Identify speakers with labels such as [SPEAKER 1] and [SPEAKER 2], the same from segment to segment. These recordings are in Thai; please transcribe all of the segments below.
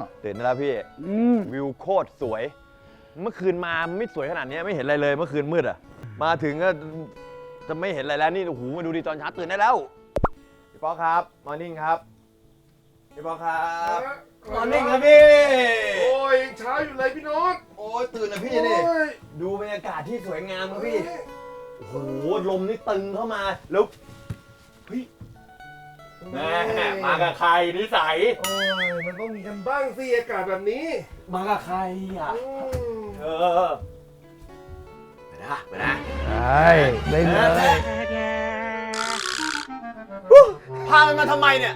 [SPEAKER 1] ตื่นได้แล้วพี่วิวโคตรสวยเมื่อคืนมาไม่สวยขนาดนี้ไม่เห็นอะไรเลยเมื่อคืนมืดอ่ะมาถึงก็จะไม่เห็นอะไรแล้วนี่โอ้โหมาดูดิตอนเช้าตื่นได้แล้วพี่ป๊อกครับมอร์นิ่งครับพี่ป๊อกครับมอร์นิ่งครับพี่
[SPEAKER 2] โอ้ยเช้าอยู่เลยพี่โน้ต
[SPEAKER 1] โอ้ยตื่นนะพี่นี่ดูบรรยากาศที่สวยงามครับพี่โอ้โหลมนี่ตึงเข้ามาแล้วเฮ้ยแม่มากับใครนิสัย
[SPEAKER 2] โอ้ยมันต้องมีกันบ้างสิอากาศแบบนี้
[SPEAKER 1] มากับใครอ่ะไปนะ
[SPEAKER 3] ได้เลย
[SPEAKER 1] พามันมาทำไมเนี่ย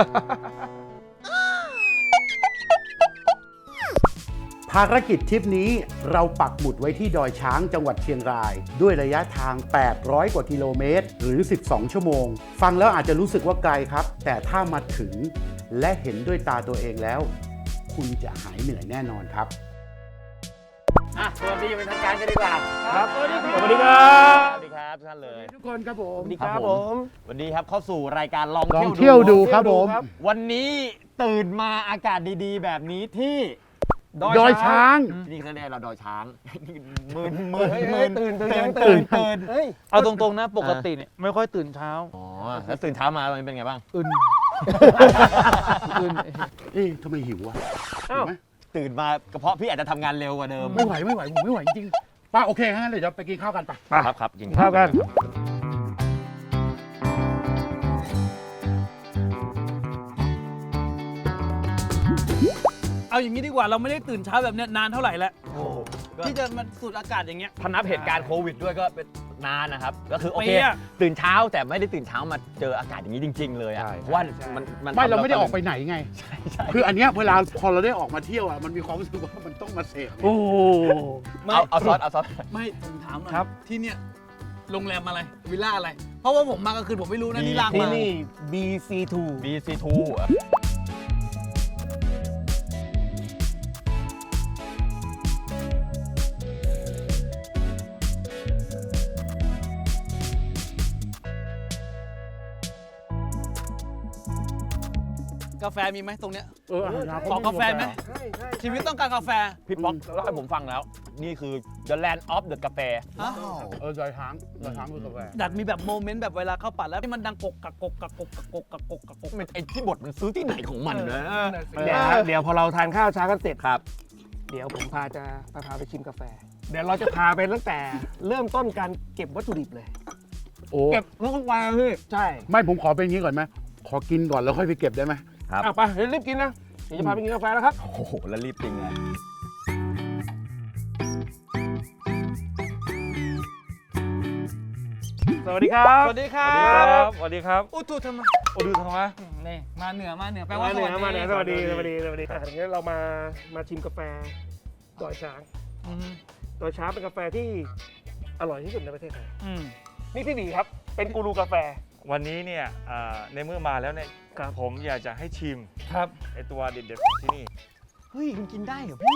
[SPEAKER 3] ภารกิจทริปนี้เราปักหมุดไว้ที่ดอยช้างจังหวัดเชียงราย ด้วยระยะทาง 800 กว่ากิโลเมตร หรือ 12 ชั่วโมง ฟังแล้วอาจจะรู้สึกว่าไกลครับ แต่ถ้ามาถึงและเห็นด้วยตาตัวเองแล้ว คุณจะหายเหนื่อยแน่นอนครับ
[SPEAKER 1] สวัสดีเป็นทางการกันดีกว่า
[SPEAKER 3] ครับสวัสดีครับ
[SPEAKER 1] สวัสดีครับสวัสดีครับท่านเลย
[SPEAKER 3] ทุกคนครับผม
[SPEAKER 1] สวัสดีครับผมวันนี้ครับเข้าสู่รายการลอง
[SPEAKER 3] เที่ยวดูครับผม
[SPEAKER 1] วันนี้ตื่นมาอากาศดีๆแบบนี้ที่
[SPEAKER 3] ดอยช้าง
[SPEAKER 1] นี่เขาเรียกเราดอยช้างมืนตื่น
[SPEAKER 4] เอาตรงๆนะปกติเนี่ยไม่ค่อยตื่นเช้า
[SPEAKER 1] อ๋อแล้วตื่นเช้ามามันเป็นไงบ้าง
[SPEAKER 4] อื่น
[SPEAKER 3] ทำไมหิวอ่ะ
[SPEAKER 1] ตื่นมากระเพาะพี่อาจจะทำงานเร็วกว่าเดิม
[SPEAKER 3] ไม่ไหวผมไม่ไหวจริงป้าโอเคงั้นเดี๋ยวไปกินข้าวกันป่ะ
[SPEAKER 1] ครับกิน
[SPEAKER 4] ข้าวกันเอาอย่างนี้ดีกว่าเราไม่ได้ตื่นเช้าแบบนี้นานเท่าไหร่แล้วที่จะมาสูดอากาศอย่างเงี้ย
[SPEAKER 1] ถ้านับเหตุการณ์โควิดด้วยก็เป็นนานนะครับก็คือโอเคตื่นเช้าแต่ไม่ได้ตื่นเช้ามาเจออากาศอย่างนี้จริงๆเลยอ่ะว่ามัน
[SPEAKER 3] ไม่เราไม่ได้ออกไปไหนไงคืออันเนี้ยเวลาพอเราได้ออกมาเที่ยวอ่ะมันมีความรู้สึกว่ามันต้องมาเสพ
[SPEAKER 4] โอ้
[SPEAKER 1] เอาซอส
[SPEAKER 4] ไม่ผมถามหน่อยที่เนี่ยโรงแรมอะไรวิลล่าอะไรเพราะว่าผมมากลางคืนผมไม่รู้นะนี่ลางมา
[SPEAKER 1] ที่นี่ BC2
[SPEAKER 4] กาแฟมีไหมตรงเนี้ยขอกาแฟไหมชีวิตต้องการกาแฟ
[SPEAKER 1] พี่ป๊อกเล่าให้ผมฟังแล้วนี่คือ The Land of the กาแฟ
[SPEAKER 3] ดอยช้างคือกาแฟ
[SPEAKER 4] ดัดมีแบบโมเมนต์แบบเวลาเข้าปัดแล้วที่มันดังกก
[SPEAKER 1] ไอ้ที่บทมันซื้อที่ไหนของมันนะ
[SPEAKER 5] เดี๋ยวพอเราทานข้าวเช้ากันเสร็จครับเดี๋ยวผมพาไปชิมกาแฟเดี๋ยวเราจะพาไปตั้งแต่เริ่มต้นการเก็บวัตถุดิบเลย
[SPEAKER 4] เก็บทุกวันพี่
[SPEAKER 5] ใช่
[SPEAKER 3] ไม่ผมขอเป็นอย่างนี้ก่อนไหมขอกินก่อนแล้วค่อยไปเก็บได้ไหม
[SPEAKER 1] ครับ
[SPEAKER 5] ไปเดี๋ยวรีบกินนะเดี๋ยวจะพาไปกินกาแฟแล้วครับ
[SPEAKER 1] โอ้โหแล้วรีบจริงเลย
[SPEAKER 5] สวัสดีครับ
[SPEAKER 4] สวัสดีครับ
[SPEAKER 5] สวัสดีครับ
[SPEAKER 4] อุตุทำไมนี่มาเหนือแปลว่า
[SPEAKER 5] สวัสดีสวัสดีงั้นเรามาชิมกาแฟดอยช้างดอยช้างเป็นกาแฟที่อร่อยที่สุดในประเทศไทยนี่พี่บีครับเป็นกูรูกาแฟ
[SPEAKER 6] วันนี้เนี่ยในเมื่อมาแล้วเนี่ยผมอยากจะให้ชิม
[SPEAKER 4] ครับ
[SPEAKER 6] ไอตัวเด็ดๆของที่นี่
[SPEAKER 1] เฮ้ยมันกินได้เหรอพี่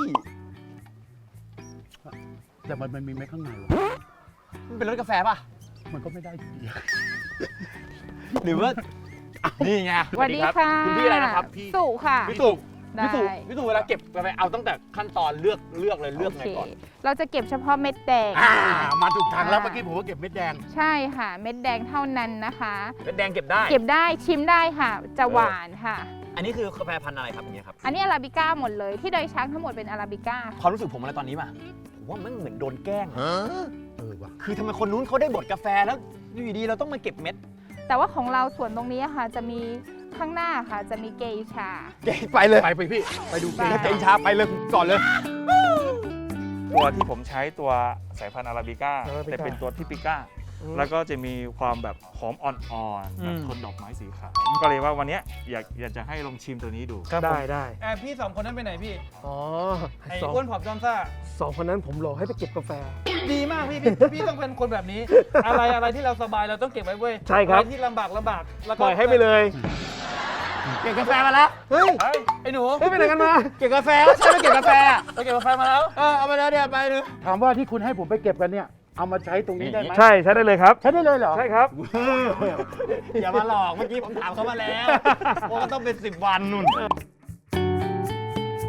[SPEAKER 3] แต่มันมีเม็ดข้างในวะ
[SPEAKER 1] มันเป็นรสกาแฟป่ะ
[SPEAKER 3] มันก็ไม่ได้อยู่ดี
[SPEAKER 1] หรือว่านี่ไง
[SPEAKER 7] สวัสดีค่ะ
[SPEAKER 1] คุณพี่อะไรนะครับพี่
[SPEAKER 7] สุค่ะ
[SPEAKER 1] พี่สุเวลาเก็บกาแฟเอาตั้งแต่ขั้นตอนเลือกเลยเลือกไงก่อน
[SPEAKER 7] เราจะเก็บเฉพาะเม็ดแดง
[SPEAKER 3] มาถูกทางแล้วเมื่อกี้ผมก็เก็บเม็ดแดง
[SPEAKER 7] ใช่ค่ะเม็ดแดงเท่านั้นนะคะ
[SPEAKER 1] เม็ดแดงเก็บได้
[SPEAKER 7] ชิมได้ค่ะจะหวานค่ะ
[SPEAKER 1] อันนี้คือกาแฟพันธุ์อะไรครับอย่างเงี้ยครับ
[SPEAKER 7] อันนี้อาราบิก้าหมดเลยที่ดอยช้างทั้งหมดเป็นอาราบิก้า
[SPEAKER 1] ความรู้สึกผมอะไรตอนนี้ป่ะผมว่ามันเหมือนโดนแกล้งว่ะคือทำไมคนนู้นเขาได้บดกาแฟแล้วอยู่ดีเราต้องมาเก็บเม็ด
[SPEAKER 7] แต่ว่าของเราส่วนตรงนี้ค่ะจะมีข้างหน้าค่ะจะมีเกชา
[SPEAKER 1] ไปเลย
[SPEAKER 3] ไปพี่ไปดูเ
[SPEAKER 1] กชาไปเลยก่อนเลย
[SPEAKER 6] ตัวที่ผมใช้ตัวสายพันธุ์อาราบิก้าแต่เป็นตัวทิปิก้าแล้วก็จะมีความแบบหอมอ่อนๆแบบคนดอกไม้สีขาวก็เลยว่าวันนี้อยากจะให้ลองชิมตัวนี้ดู
[SPEAKER 5] ได้
[SPEAKER 4] พี่2คนนั้นไปไหนพี่ไอ้
[SPEAKER 5] อ้
[SPEAKER 4] วนผอมจอมซ่า
[SPEAKER 5] 2คนนั้นผมรอให้ไปเก็บกาแฟ
[SPEAKER 4] ดีมากพี่ต้องเป็นคนแบบนี้อะไรที่เราสบายเราต้องเก็บไว้เว้ย
[SPEAKER 5] ใช่ครับ
[SPEAKER 4] อะไรที่ลำบาก
[SPEAKER 5] ปล่อยให้ไปเลย
[SPEAKER 1] เก็บกาแฟมาแล้ว
[SPEAKER 4] เฮ้ยไอ้หนู
[SPEAKER 5] ไปไหนกันมา
[SPEAKER 1] เก็บกาแฟใช่ไหมเก็บกาแฟ
[SPEAKER 4] ไปเก็บกาแฟมาแล้ว
[SPEAKER 1] เอามาแล้วเดี๋ยวไปดู
[SPEAKER 3] ถามว่าที่คุณให้ผมไปเก็บกันเนี่ยเอามาใช้ตรงนี้ได้ไหม
[SPEAKER 5] ใช่ใช้ได้เลยครับ
[SPEAKER 3] ใช้ได้เลยเหรอ
[SPEAKER 5] ใช่ครับ
[SPEAKER 1] อย่ามาหลอกเมื่อกี้ผมถามเขามาแล้วว่าต้องเป็น10 วันนู่น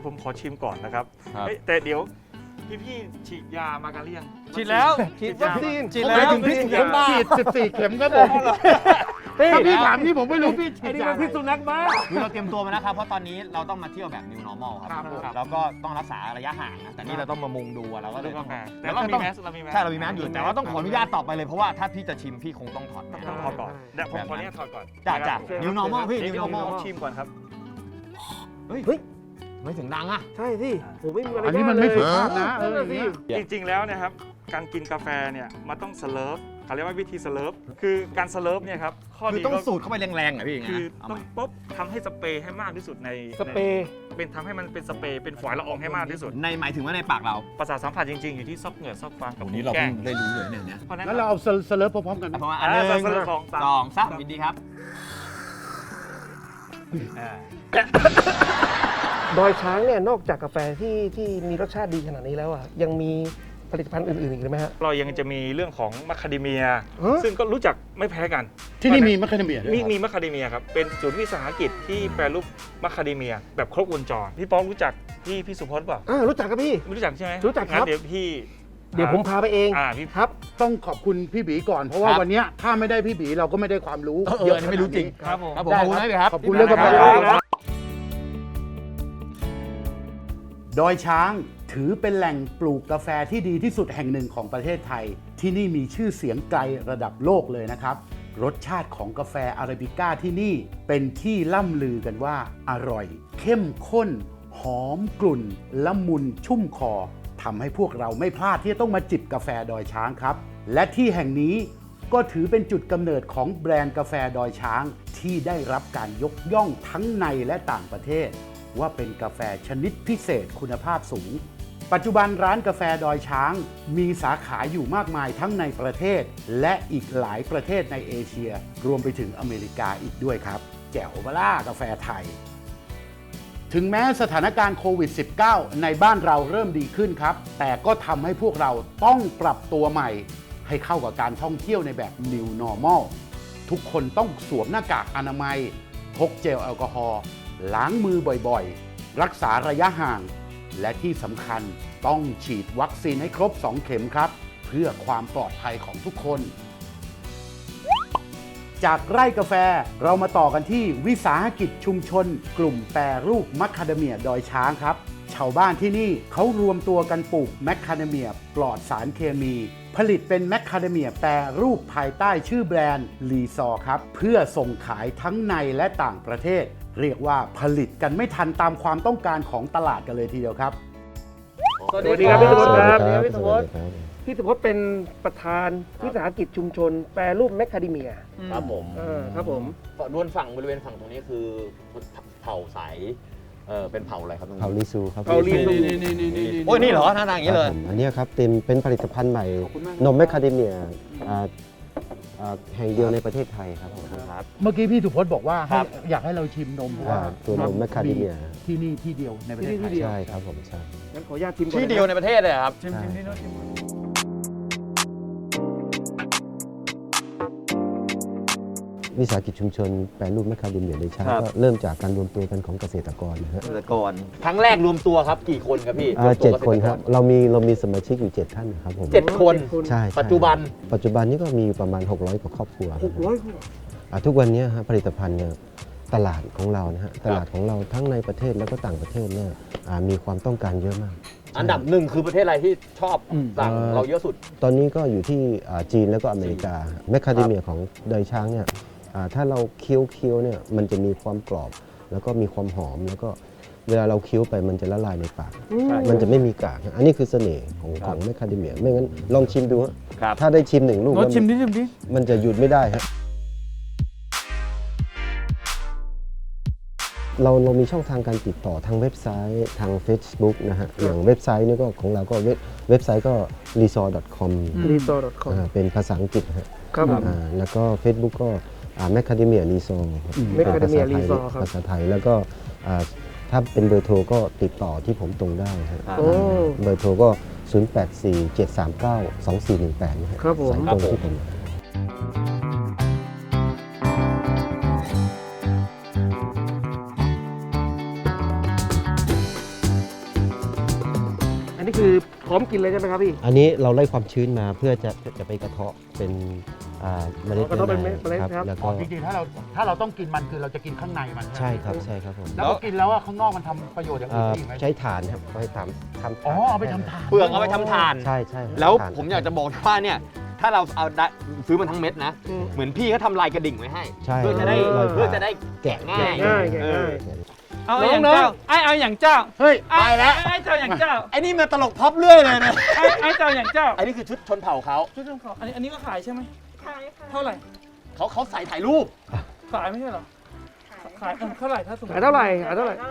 [SPEAKER 6] ยวผมขอชิมก่อนนะครับ
[SPEAKER 1] ครับ
[SPEAKER 6] เอ้ยแต่เดี๋ยวพี่ฉีดยามากันหรือยัง
[SPEAKER 4] ฉีดแล้ว
[SPEAKER 6] ฉีด
[SPEAKER 5] วั
[SPEAKER 6] ยา
[SPEAKER 5] คซีน
[SPEAKER 4] ฉีดแล้ว
[SPEAKER 3] ถึงพี่เข็มฉีด14 เข็มครับผม ถ้าพี่ถามนี่ผมไม่รู้พี่ฉี
[SPEAKER 5] ไอ้
[SPEAKER 3] ด
[SPEAKER 5] นี่
[SPEAKER 3] ยา
[SPEAKER 5] มันพิษสุนัขบ้า
[SPEAKER 8] คือเราเตรียมตัวมานะครับ เพราะตอนนี้เราต้องมาเที่ยวแบบ new normal ครับ
[SPEAKER 6] ครับผม
[SPEAKER 8] แล้วก็ต้องรักษาระยะห่างนะแต่นี่เราต้องมามุงดูอะเราก็เล
[SPEAKER 6] ดู
[SPEAKER 8] ย
[SPEAKER 6] กา
[SPEAKER 8] ต้อง
[SPEAKER 6] แฟแต่เรามีแมสเรามีแมส
[SPEAKER 8] ใช่เรามีแมสอยู่แต่ว่าต้องขออนุญาตต่อไปเลยเพราะว่าถ้าพี่จะชิมพี่คงต้องถอดแมส
[SPEAKER 6] ต้องถอดก่อนเดี๋ยวผมขออนุญาตถอดก่อน
[SPEAKER 8] จ้ะ
[SPEAKER 6] นะครับ
[SPEAKER 8] new normal พี่
[SPEAKER 6] เดี๋
[SPEAKER 8] new
[SPEAKER 6] ยว
[SPEAKER 8] normal
[SPEAKER 6] ผมชิมก่อนครับ
[SPEAKER 8] เฮ้ยไม่ถึงดังอะ
[SPEAKER 5] ใช่สิผมไม่มีอะไร
[SPEAKER 3] อันนี้มันไม่สุภาพนะ
[SPEAKER 5] นั่นน่ะสิ
[SPEAKER 6] จริงๆ แล้วเนะครับการกินกาแฟเนี่ยมันต้องสเลิร์ฟเขาเรียกว่าวิธีสเลิร์ฟคือการสเลิร์ฟเนี่ยครับข้อ
[SPEAKER 8] คือ
[SPEAKER 6] ดี
[SPEAKER 8] ต้อง
[SPEAKER 6] ก็
[SPEAKER 8] สูดเข้าไปแรงๆอะพี่อย่าง
[SPEAKER 6] คื
[SPEAKER 8] เงี้
[SPEAKER 6] อย
[SPEAKER 8] เอา
[SPEAKER 6] ต้อ
[SPEAKER 8] ให
[SPEAKER 6] ง
[SPEAKER 8] ม่
[SPEAKER 6] ปุ๊บทำให้สเปรย์ให้มากที่สุดใน
[SPEAKER 5] สเปรย์
[SPEAKER 6] เป็นทำให้มันเป็นสเปรย์เป็นฝอยละอองให้มากที่สุด
[SPEAKER 8] ในหมายถึงว่าในปากเรา
[SPEAKER 6] ประสาทสัมผัสจริงๆ อยู่ที่ซอกเหงื่อซอกฟางกับ
[SPEAKER 8] วันนี้เรา
[SPEAKER 6] แก้
[SPEAKER 8] เพิ่
[SPEAKER 6] ง
[SPEAKER 8] งได้รู้เลยเนี่ย
[SPEAKER 6] เพราะฉะนั้น
[SPEAKER 3] งั้นเราเอาสเลิร์ฟพร้อมๆกัน
[SPEAKER 8] เพราะว่าอันหนึ่ง
[SPEAKER 6] สเลิร์ฟของ
[SPEAKER 8] สองสามยินดีครับ
[SPEAKER 5] ดอยช้างเนี่ยนอกจากกาแฟที่มีรสชาติดีขนาดนี้แล้วอ่ะยังมีผลิตภัณฑ์อื่นๆอีกไหมฮะ
[SPEAKER 6] เรายังจะมีเรื่องของมัคคาเดเมีย
[SPEAKER 5] ฮะ
[SPEAKER 6] ซึ่งก็รู้จักไม่แพ้กัน
[SPEAKER 3] ที่นี่มีมะขามเปียกด้วย
[SPEAKER 6] มีมัคคาเดเมียครับเป็นศูนย์วิสาหกิจที่แปรรูปมัคคาเดเมียแบบครบวงจรพี่ป้องรู้จักพี่สุพจน์เปล่า
[SPEAKER 5] รู้จักครับพี่
[SPEAKER 6] ไม่รู้จักใช่ไหม
[SPEAKER 5] รู้จักครับ
[SPEAKER 6] งั้นเดี๋ยวพี่
[SPEAKER 5] เดี๋ยวผมพาไปเอง
[SPEAKER 6] พี่
[SPEAKER 5] ครับ
[SPEAKER 3] ต้องขอบคุณพี่บีก่อนเพราะว่า
[SPEAKER 8] ครับ
[SPEAKER 3] วันเนี้ยถ้าไม่ได้พี่บีเราก็ไม่ได้ความรู้
[SPEAKER 8] เอออันนี้ไม่รู้จริง
[SPEAKER 6] ครับผม
[SPEAKER 8] ครับผมขอบคุณนะพี่ครับ
[SPEAKER 3] ขอบคุณเรื่องกาแฟ
[SPEAKER 6] ครับ
[SPEAKER 3] ดอยช้างถือเป็นแหล่งปลูกกาแฟที่ดีที่สุดแห่งหนึ่งของประเทศไทย ที่นี่มีชื่อเสียงไกลระดับโลกเลยนะครับ รสชาติของกาแฟอาราบิก้าที่นี่เป็นที่ล่ำลือกันว่าอร่อย เข้มข้น หอมกลุ่นละมุนชุ่มคอทำให้พวกเราไม่พลาดที่จะต้องมาจิบกาแฟดอยช้างครับ และที่แห่งนี้ก็ถือเป็นจุดกำเนิดของแบรนด์กาแฟดอยช้าง ที่ได้รับการยกย่องทั้งในและต่างประเทศ ว่าเป็นกาแฟชนิดพิเศษคุณภาพสูง ปัจจุบันร้านกาแฟดอยช้างมีสาขาอยู่มากมายทั้งในประเทศ และอีกหลายประเทศในเอเชีย รวมไปถึงอเมริกาอีกด้วยครับ แจ๋วบล่ากาแฟไทย ถึงแม้สถานการณ์โควิด -19 ในบ้านเราเริ่มดีขึ้นครับ แต่ก็ทำให้พวกเราต้องปรับตัวใหม่ ให้เข้ากับการท่องเที่ยวในแบบ New Normal ทุกคนต้องสวมหน้ากากอนามัยพกเจลแอลกอฮอล์ล้างมือบ่อยๆ รักษาระยะห่าง และที่สำคัญต้องฉีดวัคซีนให้ครบ 2 เข็มครับ เพื่อความปลอดภัยของทุกคน จากไร่กาแฟเรามาต่อกันที่วิสาหกิจชุมชน กลุ่มแปรรูปมัคคาเดเมียดอยช้างครับ ชาวบ้านที่นี่เขารวมตัวกันปลูกแมคคาเดเมียปลอดสารเคมี ผลิตเป็นแมคคาเดเมียแปรรูปภายใต้ชื่อแบรนด์ลีซอครับ เพื่อส่งขายทั้งในและต่างประเทศ เรียกว่าผลิตกันไม่ทันตามความต้องการของตลาดกันเลยทีเดียวครับ
[SPEAKER 5] สวัสดีครับพี่สุพจน์ครับ
[SPEAKER 9] สวัสดีครับ
[SPEAKER 5] พี่สุพจน์พี่สุพจน์เป็นประธานวิสาหกิจชุมชน แปรรูปแมคคาเดเมีย
[SPEAKER 8] ครับผม
[SPEAKER 5] ครับผม
[SPEAKER 8] ด้วนฝั่งบริเวณฝั่งตรงนี้คือเผ่าสายเป็นเผ่าอะไรครับตรงนี้
[SPEAKER 9] เผาลีซูครับ
[SPEAKER 5] เผาลีซู
[SPEAKER 8] โอ้ยนี่เหรอหน้าตาอย่างนี้เลย
[SPEAKER 9] ครับผมอันเนี้ยครับเป็นผลิตภัณฑ์ใหม่นมแมคคาเดเมียแห่งเดียวในประเทศไทยครับผม
[SPEAKER 8] ครับ
[SPEAKER 3] เมื่อกี้พี่สุพจน์บอกว่า
[SPEAKER 8] ครับ
[SPEAKER 3] อยากให้เราชิมนมเพราะว่า
[SPEAKER 9] ตัวนมแมคคาเดเมีย
[SPEAKER 3] ที่นี่ที่เดียวในประเทศไทย
[SPEAKER 9] ใช่ครับผมใช่
[SPEAKER 5] งั้นขออนุญาตชิมก่อน
[SPEAKER 8] ที่เดียวในประเทศเลยครับ
[SPEAKER 9] ใช่วิสาหกิจชุมชนแปรรูปแมคคาเดเมียในชาติ
[SPEAKER 8] ครับ
[SPEAKER 9] ก็เริ่มจากการรวมตัวกันของเกษตรกรนะฮะ
[SPEAKER 8] เกษตรกรครั้งแรกรวมตัวครับกี่คนครับพี่
[SPEAKER 9] เจ็ดคนครับเรามีสมาชิกอยู่ 7 ท่านนะครับผม
[SPEAKER 8] 7 คน
[SPEAKER 9] ใช่
[SPEAKER 8] ปัจจุบัน
[SPEAKER 9] ปัจจุบันนี้ก็มีประมาณ 600 กว่าครอบครัวนะฮะ
[SPEAKER 5] 600
[SPEAKER 9] ทุกวันนี้ฮะผลิตภัณฑ์เนี่ยตลาดของเรานะฮะตลาดของเราทั้งในประเทศแล้วก็ต่างประเทศเนี่ยมีความต้องการเยอะมาก
[SPEAKER 8] อันดับหนึ่งคือประเทศอะไรที่ชอบสั่งเราเยอะสุด
[SPEAKER 9] ตอนนี้ก็อยู่ที่จีนแล้วก็อเมริกาแมคคาเดเมียของดอยช้างเนี่ยถ้าเราเคี้ยวเนี่ยมันจะมีความกรอบ แล้วก็มีความหอมแล้วก็เวลาเราเคี้ยวไปมันจะละลายในปาก มันจะไม่มีกากฮะอันนี้คือเสน่ห์ของแมคคาเดเมียไม่งั้นลองชิมดูฮะ
[SPEAKER 8] ครับ
[SPEAKER 9] ถ้าได้ชิม1 ลูก
[SPEAKER 4] รสชิมนิดชิมดิ
[SPEAKER 9] มันจะหยุดไม่ได้ฮะเรามีช่องทางการติดต่อทางเว็บไซต์ทาง Facebook นะฮะอย่างเว็บไซต์นี่ก็ของเราก็เว็บไซต์ก็ resort.com
[SPEAKER 5] resort.com
[SPEAKER 9] เป็นภาษาอังกฤษฮะ
[SPEAKER 5] ครับผม
[SPEAKER 9] แล้วก็ Facebook ก็แมคคาเดเมียรีซอร์
[SPEAKER 5] Macadamia Resort ครับ
[SPEAKER 9] ภาษาไทยแล้วก็ถ้าเป็นเบอร์โทรก็ติดต่อที่ผมตรงได้ฮะ
[SPEAKER 5] โอ้
[SPEAKER 9] เบอร์โทรก็ 0847392418นะฮะ
[SPEAKER 5] ครับผม
[SPEAKER 9] สายตรงที่ผม
[SPEAKER 5] คนี่คือพร้อมกินเลยใช่ไหมครับพี่
[SPEAKER 9] อันนี้เราไล่ความชื้นมาเพื่อจะไปกระเทาะเป็นเมล็ด
[SPEAKER 5] กระเทาะเป็นเมล็ดครับ
[SPEAKER 9] แล้ว
[SPEAKER 3] อ๋
[SPEAKER 9] ก็
[SPEAKER 3] อจริงๆถ้าเราต้องกินมันคือเราจะกินข้างในมัน
[SPEAKER 9] ใช่ครับใช่ครับผม
[SPEAKER 3] แล้วพอกินแล้วข้างนอกมันทำประโยชน์อย่างอื่นได้อีกไหม
[SPEAKER 9] ใช้ถ่านครับไปทำถ่าน
[SPEAKER 3] อ๋อเอาไปทำทาน
[SPEAKER 1] เปลือกเอาไปทำทาน
[SPEAKER 9] ใช่ใช่ครับ
[SPEAKER 1] แล้ว
[SPEAKER 9] ถ่าน
[SPEAKER 1] ผมอยากจะบอกว่าเนี่ย ถ้าเราเอาได้ซื้อมันทั้งเม็ดนะ
[SPEAKER 5] อืม
[SPEAKER 1] เหมือนพี่เขาทำลายกระดิ่งไว้ให้
[SPEAKER 9] ใช่
[SPEAKER 1] เพื่อจะได้
[SPEAKER 9] ลอย
[SPEAKER 1] เพื่อ
[SPEAKER 9] ผ่า
[SPEAKER 1] จะได้แกะง่าย
[SPEAKER 5] ง่าย
[SPEAKER 1] เออ
[SPEAKER 4] เอาอย่างเจ้าเอาอย่างเจ้า
[SPEAKER 3] เฮ้ย
[SPEAKER 4] ไปแล้วไอ้เจ้าอย่างเจ้า
[SPEAKER 1] ไอ้นี่มาตลกพับเรื่อยเลยนะ
[SPEAKER 4] ไอ้เจ้าอย่างเจ้า
[SPEAKER 1] ไอ้นี่คือชุดชนเผ่าเขา
[SPEAKER 4] ชุดของเขาอันนี้ก็ขายใช่ไหมขายค่ะเท่าไหร่
[SPEAKER 1] เขาใส่ถ่ายรูป
[SPEAKER 4] ขายไม่ใช่เหรอขายเท่าไหร่ถ้าสมมติ
[SPEAKER 5] ขายเท่าไหร่ขายเท่าไหร่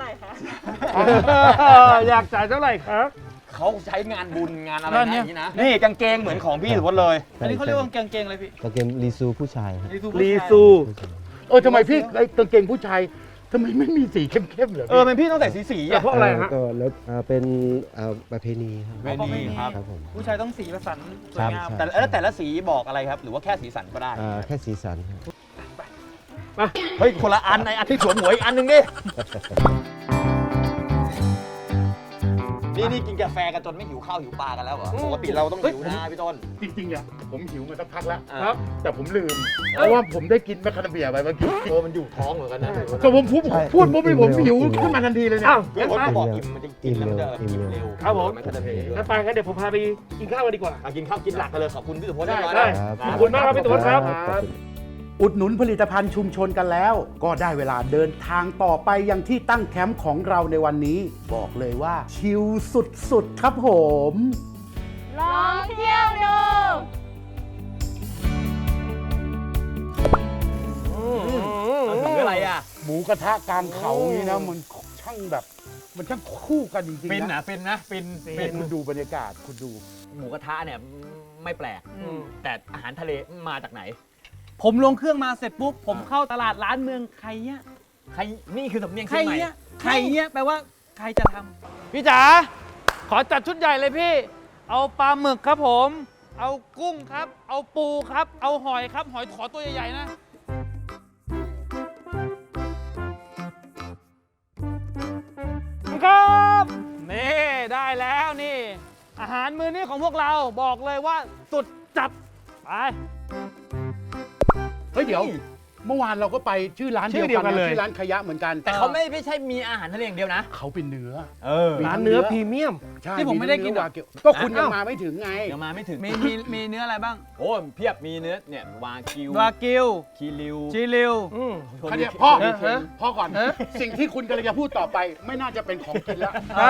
[SPEAKER 5] อยากจ่ายเท่าไหร่ครับ
[SPEAKER 1] เขาใช้งานบุญงานอะไรนะอย่างนี้นะ นี่กางเกงเหมือนของพี่สุวัสดิ์เลย
[SPEAKER 4] อันนี้เขาเรียกว่ากางเกงอะไรพี่
[SPEAKER 9] กางเกงรีซูผู้ชายครับ
[SPEAKER 5] รีซู
[SPEAKER 3] ทำไมพี่ไอ้กางเกงผู้ชายทำไมไม่มีสีเข้มๆเหรอ
[SPEAKER 1] เออเป็นพี่ต้องใส่สีๆ
[SPEAKER 5] แต่
[SPEAKER 1] อ่ะ
[SPEAKER 5] เพราะอะไรฮะ
[SPEAKER 9] ก็แล้วเป็นประเพณีครับ
[SPEAKER 1] ประเพณี
[SPEAKER 9] ครับผม
[SPEAKER 4] ผู้ชายต้องสีประสันสวยงาม
[SPEAKER 9] ครับ
[SPEAKER 1] แต่ละสีบอกอะไรครับ หรือว่าแค่สีสันก็ได้
[SPEAKER 9] แค่สีสันครับ
[SPEAKER 1] เฮ้ยคนละอันในอันที่สวมหัวอีกอันหนึ่งดิ นี่กินกาแฟกันจนไม่หิวข้าวหิวปลากันแล้วเหรอ ปกติเราต้องหิวนะพี่ต้น
[SPEAKER 3] จริงๆอ่ะผมหิวมาสักพักแล้ว
[SPEAKER 1] ครับ
[SPEAKER 3] แต่ผมลืม เพราะว่าผมได้กินแมคคาเดเมียไปเมื่อกี้
[SPEAKER 1] มันอยู่ท้องเหมือนกันนะ
[SPEAKER 3] ก็ผมพูด
[SPEAKER 9] ใช่
[SPEAKER 3] ปุ๊บผมหิว
[SPEAKER 9] อิ่มเร็ว
[SPEAKER 3] ขึ้นมาทันทีเลยเนี่ย
[SPEAKER 5] อ้าว
[SPEAKER 1] พี่
[SPEAKER 5] งั้น
[SPEAKER 1] พจ
[SPEAKER 5] ไป
[SPEAKER 1] น์ก็บอกอิ่มมันจะกินแล้วมันจะอิ่มเร็ว
[SPEAKER 5] ครับผม
[SPEAKER 1] นก็จะเพล
[SPEAKER 5] งั้นไปงั้นเดี๋ยวผมพาไปกินข้าวกันดีกว่า
[SPEAKER 1] กินข้าวกินหลักกันเลยขอบคุณพี่สุพจน์
[SPEAKER 5] ได้
[SPEAKER 1] มาก
[SPEAKER 5] ได้
[SPEAKER 1] นะ
[SPEAKER 5] ขอบคุณมากครับพี่ตุ๊ดครับ
[SPEAKER 3] อุดหนุนผลิตภัณฑ์ชุมชนกันแล้ว ก็ได้เวลาเดินทางต่อไปยังที่ตั้งแคมป์ของเราในวันนี้ บอกเลยว่า ชิลสุดๆครับผม
[SPEAKER 7] ลองเที่ยวดู
[SPEAKER 1] ถืออะไรอ่ะ
[SPEAKER 3] หมูกระทะกลางเขานี่นะมันช่างแบบมันช่างคู่กันจริงๆ
[SPEAKER 1] ฟิน
[SPEAKER 3] นะ
[SPEAKER 1] นะฟินนะฟิน
[SPEAKER 3] คุณดูบรรยากาศคุณดู
[SPEAKER 1] หมูกระทะเนี่ยไม่แปลก แต่อาหารทะเลมาจากไหน
[SPEAKER 4] ผมลงเครื่องมาเสร็จปุ๊บผมเข้าตลาดร้านเมืองใครเนี่ย
[SPEAKER 1] ใครนี่คือสำเนียง
[SPEAKER 4] ใคร
[SPEAKER 1] เชียงใหม่
[SPEAKER 4] เนี่ยใครเนี่ยแปลว่าใครจะทำพี่จ๋าขอจัดชุดใหญ่เลยพี่ เอาปลาหมึกครับผม เอากุ้งครับ เอาปูครับ เอาหอยครับ หอยขอตัวใหญ่ๆนะ ครับนี่ได้แล้วนี่ อาหารมื้อนี้ของพวกเราบอกเลยว่าสุดจัดไป
[SPEAKER 3] เฮ้ยเดี๋ยว เมื่อวานเราก็ไปชื่อร้านเดียวกันนะชื่อร้านขยะเหมือนกัน
[SPEAKER 1] แต่เขาไม่ใช่มีอาหารทะเลอย่างเดียวนะ
[SPEAKER 3] เขาเป็นเนื้อ
[SPEAKER 5] ร้านเนื้อพรีเมียม
[SPEAKER 3] ใช่
[SPEAKER 4] ที่ผมไม่ได้กิน
[SPEAKER 3] เวากิวก็คุณยังมาไม่ถึงไง
[SPEAKER 1] ยังมาไม่ถึง
[SPEAKER 4] มีเนื้ออะไรบ้าง
[SPEAKER 1] โอ้เพียบมีเนื้อเนี่ยวากิว
[SPEAKER 4] วากิว
[SPEAKER 1] คีริว
[SPEAKER 4] จิริว
[SPEAKER 1] โทนิ
[SPEAKER 3] เขาเนี่ย
[SPEAKER 1] เค
[SPEAKER 3] พ่อ
[SPEAKER 1] โทนิเค
[SPEAKER 3] พ่อก่อน สิ่งที่คุณกำลังจะพูดต่อไป ไม่น่าจะเป็นของกินแล้ว
[SPEAKER 4] ใช่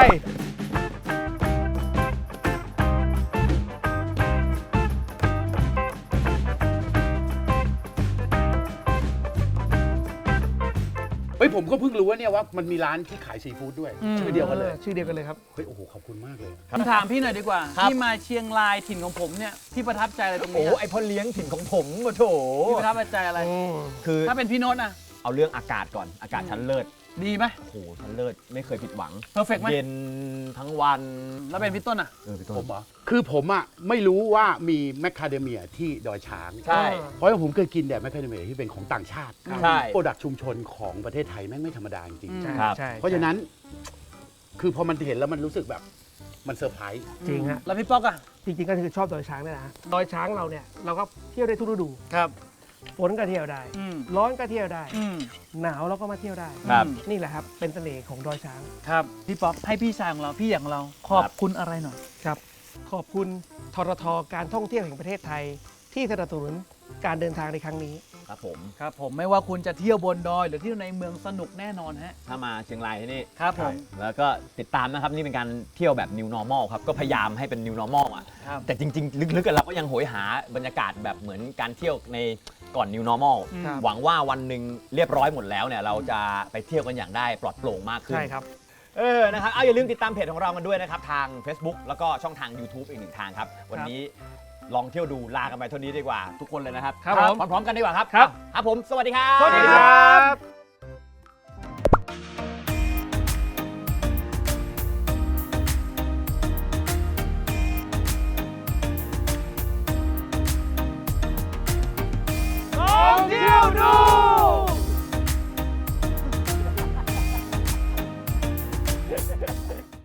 [SPEAKER 3] เฮ้ยผมก็เพิ่งรู้ว่าเนี่ยว่ามันมีร้านที่ขายซีฟู้ดด้วยชื่อเดียวกันเลย
[SPEAKER 5] ชื่อเดียวกันเลยครับ
[SPEAKER 3] เฮ้ยโอ้โหขอบคุณมากเลย
[SPEAKER 4] ผมถามพี่หน่อยดีกว่าที่มาเชียงรายถิ่นของผมเนี่ยพี่ประทับใจอะไรตรง
[SPEAKER 1] โอ้
[SPEAKER 4] นี้
[SPEAKER 1] ไอพ่อเลี้ยงถิ่นของผมมาโถ
[SPEAKER 4] พี่ประทับใจอะไร
[SPEAKER 1] คือ
[SPEAKER 4] ถ้าเป็นพี่โน้ตนะ
[SPEAKER 1] เอาเรื่องอากาศก่อนอากาศชั้นเลิศ
[SPEAKER 4] ดีไหม
[SPEAKER 1] โอ้โหชั้นเลิศไม่เคยผิดหวัง
[SPEAKER 4] เพอร์เฟกต์ไหม
[SPEAKER 1] เย็นทั้งวัน
[SPEAKER 4] แล้วเป็นพี่ต้นอ่ะ
[SPEAKER 1] พี่ต้
[SPEAKER 3] ผ
[SPEAKER 1] น
[SPEAKER 3] มเหรอคือผมอ่ะไม่รู้ว่ามีแมคคาเดเมียที่ดอยช้าง
[SPEAKER 1] ใช่
[SPEAKER 3] เพราะว่าผมเคยกินแต่แมคคาเดเมียที่เป็นของต่างชาติ
[SPEAKER 1] ใช่
[SPEAKER 3] โปรดักชุมชนของประเทศไทยแม่งไม่ธรรมดาจริง
[SPEAKER 5] ใช่
[SPEAKER 1] ครับ
[SPEAKER 5] ใช่
[SPEAKER 3] เพราะฉะนั้น คือพอมันเห็นแล้วมันรู้สึกแบบมันเซอร์ไพรส์
[SPEAKER 5] จริงฮะ
[SPEAKER 4] แล้วพี่ป๊อกอ่ะ
[SPEAKER 5] จริงๆก็คือชอบดอยช้างนี่แหละฮะดอยช้างเราเนี่ยเราก็เที่ยวได้ทุกฤดู
[SPEAKER 4] ครับ
[SPEAKER 5] ฝนก็เที่ยวได้
[SPEAKER 4] อืม
[SPEAKER 5] ร้อนก็เที่ยวได้
[SPEAKER 4] อืม
[SPEAKER 5] หนาวเราก็มาเที่ยวได้
[SPEAKER 1] ครับ
[SPEAKER 5] นี่แหละครับ เป็นเสน่ห์ของดอยช้าง
[SPEAKER 4] ครับพี่ป๊อกให้พี่ชายของเราพี่อย่างเราขอบคุณอะไรหน่อย
[SPEAKER 5] ครับ ขอบคุณทรทการท่องเที่ยวแห่งประเทศไทย ที่สนับสนุนการเดินทางในครั้งนี้
[SPEAKER 1] ครับผม
[SPEAKER 4] ครับผมไม่ว่าคุณจะเที่ยวบนดอยหรือเที่ยวในเมืองสนุกแน่นอนฮะ
[SPEAKER 1] ถ้ามาเชียงรายที่นี่
[SPEAKER 4] ครับผม
[SPEAKER 1] แล้วก็ติดตามนะครับนี่เป็นการเที่ยวแบบ new normal ครับก็พยายามให้เป็น new normal อ่ะ
[SPEAKER 4] ครับ
[SPEAKER 1] แต่จริงๆ ลึกๆกันเราก็ยังโหยหาบรรยากาศแบบเหมือนการเที่ยวในก่อน new normal
[SPEAKER 5] ครับ
[SPEAKER 1] หวังว่าวันหนึ่งเรียบร้อยหมดแล้วเนี่ยเราจะไปเที่ยวกันอย่างได้ปลอดโปร่งมากขึ้น
[SPEAKER 5] ใช่ครับ
[SPEAKER 1] นะครับเอาอย่าลืมติดตามเพจของเรากันด้วยนะครับทาง Facebook แล้วก็ช่องทาง YouTube อีกหนึ่งทางครับวันนี้ลองเที่ยวดูลากันไปเท่านี้ดีกว่าทุกคนเลยนะครับ
[SPEAKER 5] ครับผม
[SPEAKER 1] พร้อมๆกันดีกว่าครับ
[SPEAKER 5] ครับ
[SPEAKER 1] ครับผมสวัสดีครับ
[SPEAKER 5] สวัสดีครับ